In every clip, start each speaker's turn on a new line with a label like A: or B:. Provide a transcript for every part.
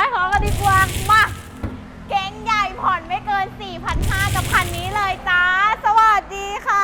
A: ายของกันดีกว่ามาเก๋งใหญ่ผ่อนไม่เกิน 4,500 กับคันนี้เลยจ้าสวัสดีค่ะ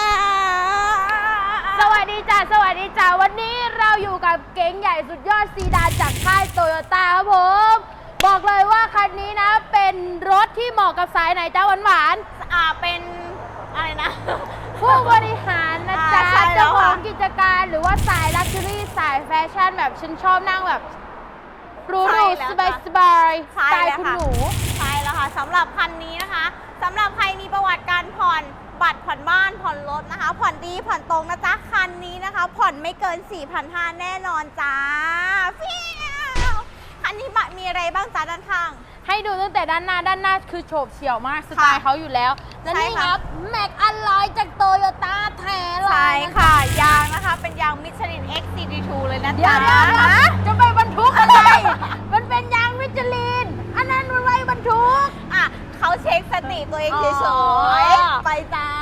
B: สวัสดีจ้าสวัสดีจ้าวันนี้เราอยู่กับเก๋งใหญ่สุดยอดซีดานจากค่ายโตโยต้าครับผมบอกเลยว่าคันนี้นะเป็นรถที่เหมาะกับสายไหนจ้าหวาน
A: เป็นอะไรนะ
B: ผู้บริหารนะจ๊ะ
A: ใช่แล้
B: เจ้าว ข
A: ค่ะ
B: องกิจการหรือว่าสายลักชัวรี่สายแฟชั่นแบบฉันชอบนั่งแบบหรู
A: ใช่
B: ๆ
A: แล้ว
B: สบายสบายๆส
A: ใช่
B: ไตล์
A: แล้ว
B: คุณ
A: ค่ะ
B: หนู
A: ใช่แล้วค่ะสำหรับคันนี้นะคะสำหรับใครมีประวัติการผ่อนบัตรผ่อนบ้านผ่อนรถนะคะ ผ่อนดีผ่อนตรงนะจ๊ะคันนี้นะคะ ผ่อนไม่เกิน 4,500 แน่นอนจ้าฟิวคันนี้มีอะไรบ้างจ้าด้านข้าง
B: ให้ดูตั้งแต่ด้านหน้าคือโฉบเฉี่ยวมากสไตล์เขาอยู่แล้วและ
A: ใช่
B: นี่ค
A: ค่ะ
B: รับแม็กอลลอยจากโตโยต้าแท้เลย
A: ใช่
B: น
A: ค่ะ ยางนะคะ เป็นยางมิชลิน X CD2 เลยนะ
B: เดี๋ย
A: จ๊ะ
B: วจะไปบรรทุกอะไร มันเป็นยางมิชลิน อันนั้นมันไว้บรรทุก
A: อ่ะเขาเช็คสติตัวเองเฉ
B: อ๋อ
A: ยๆไปจ้าก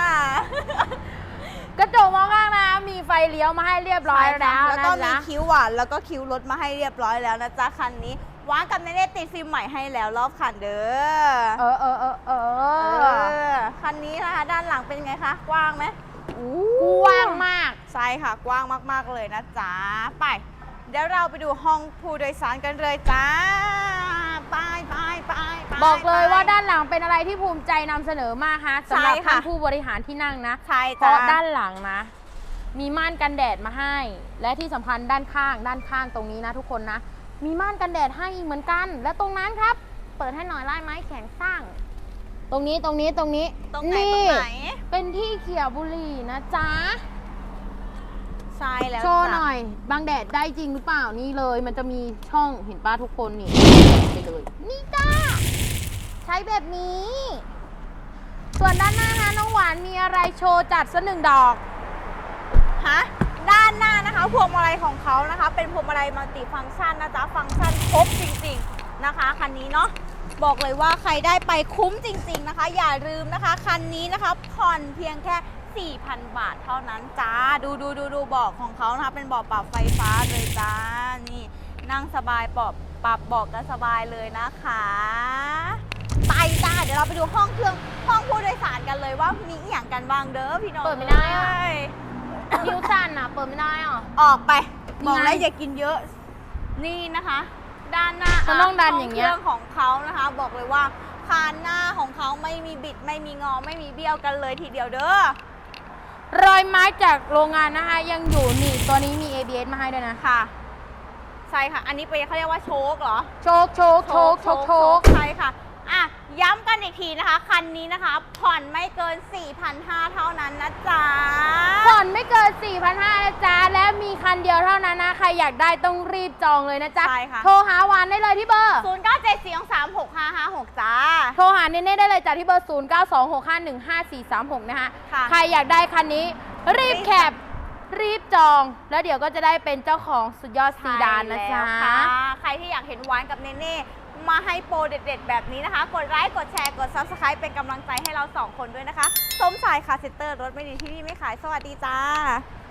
B: ระจกมองข้างนะมีไฟเลี้ยวมาให้เรียบร้อยแล้ว
A: แล้วก็มี
B: นะ
A: คิ้วหวานแล้วก็คิ้วรถมาให้เรียบร้อยแล้วนะจ๊ะคันนี้วางกับเนเน่ติดฟิล์มใหม่ให้แล้วรอบคันเด้คันนี้นะคะด้านหลังเป็นไงคะกว้างไหม
B: กว้างมาก
A: ใช่ค่ะกว้างมากๆเลยนะจ๊ะไปเดี๋ยวเราไปดูห้องผู้โดยสารกันเลยจ้าไป
B: บอกเลยว่าด้านหลังเป็นอะไรที่ภูมิใจนำเสนอมากฮะสำหรับ
A: ใช่ค่ะ
B: ท่านผู้บริหารที่นั่งนะ
A: ใช่
B: เพ
A: จ้า
B: ราะด้านหลังนะ มีม่านกันแดดมาให้ และที่สำคัญด้านข้างตรงนี้นะทุกคนนะ มีม่านกันแดดให้อีกเหมือนกัน และตรงนั้นครับ เปิดให้หน่อยไล่ไม้แข็งสร้าง ตรงนี้
A: ตรงไหนตรงไหน
B: เป็นที่เขี่ยบุหรี่นะจ๊ะ
A: ใช่แล้ว
B: โชว์
A: จ้ะ
B: หน่อยบางแดดได้จริงหรือเปล่านี่เลย มันจะมีช่องเห็นป้าทุกคนนี่ไปเลย นี่จ้าใช้แบบนี้ ส่วนด้านหน้าฮะน้องหวานมีอะไรโชว์จัดสักหนึ่งดอก
A: ฮะด้านหน้านะคะพวงมาลัยของเขานะคะ เป็นพวงมาลัยมัลติฟังก์ชันนะจ๊ะฟังก์ชันครบจริงๆนะคะคันนี้เนาะบอกเลยว่าใครได้ไปคุ้มจริงๆนะคะ อย่าลืมนะคะคันนี้นะคะผ่อนเพียงแค่ 4,000 บาทเท่านั้นจ้าดูเบาะของเขานะคะเป็นเบาะปรับไฟฟ้าเลยจ้านี่นั่งสบายปรับเบาะกันสบายเลยนะคะไปจ้าเดี๋ยวเราไปดูห้องผู้โดยสารกันเลยว่ามีอหย่างกันบ้างเด้อพี่น้อง
B: เปิดไม่ได้อะ
A: เอ้ย
B: นิ้วสั่นอ่ะ เปิดไม่ได้อ่ะ
A: ออกไป
B: นี่
A: บอก
B: ไง
A: แล้วอย่ากินเยอะนี่นะคะ ด้านหน้า
B: มันต้องดันอย่างเงี้ย
A: เครื่องของเขานะคะ บอกเลยว่าคานหน้าของเขาไม่มีบิดไม่มีงอไม่มีเบี้ยวกันเลยทีเดียวเด้อ
B: รอยไม้จากโรงงานนะคะ ยังอยู่นี่ตัวนี้มี ABS มาให้ด้วยนะ
A: ค่ะใช่ค่ะ อันนี้เป็นเขาเรียกว่าโชคเหรอ
B: โชค
A: ใช่ค่ะอ่ะย้ำกันอีกทีนะคะ คันนี้นะคะ ผ่อนไม่เกิน 4,500 เท่านั้นนะจ๊ะ
B: ผ่อนไม่เกิน 4,500 นะจ๊ะ และมีคันเดียวเท่านั้นนะ ใครอยากได้ต้องรีบจองเลยนะจ๊ะ
A: ใช่ค่ะ
B: โทรหาหวานได้เลยที่เบอร์
A: 0974236556จ้า
B: โทรหาเน่ๆได้เลยจ้ะที่เบอร์ 0926515436 นะคะ
A: ค่ะ
B: ใครอยากได้คันนี้รีบแคปรีบจอง แล้วเดี๋ยวก็จะได้เป็นเจ้าของสุดยอดซีดานนะจ๊ะ
A: ใช่แล้วค่ะใครที่อยากเห็นหวานกับเนเน่มาให้โปรเด็ดๆ แบบนี้นะคะ กดไลค์ กดแชร์ กด Subscribe เป็นกำลังใจให้เรา 2 คนด้วยนะคะ ส้มสายคาร์เซ็นเตอร์รถไม่ดีที่นี่ไม่ขาย สวัสดีจ้า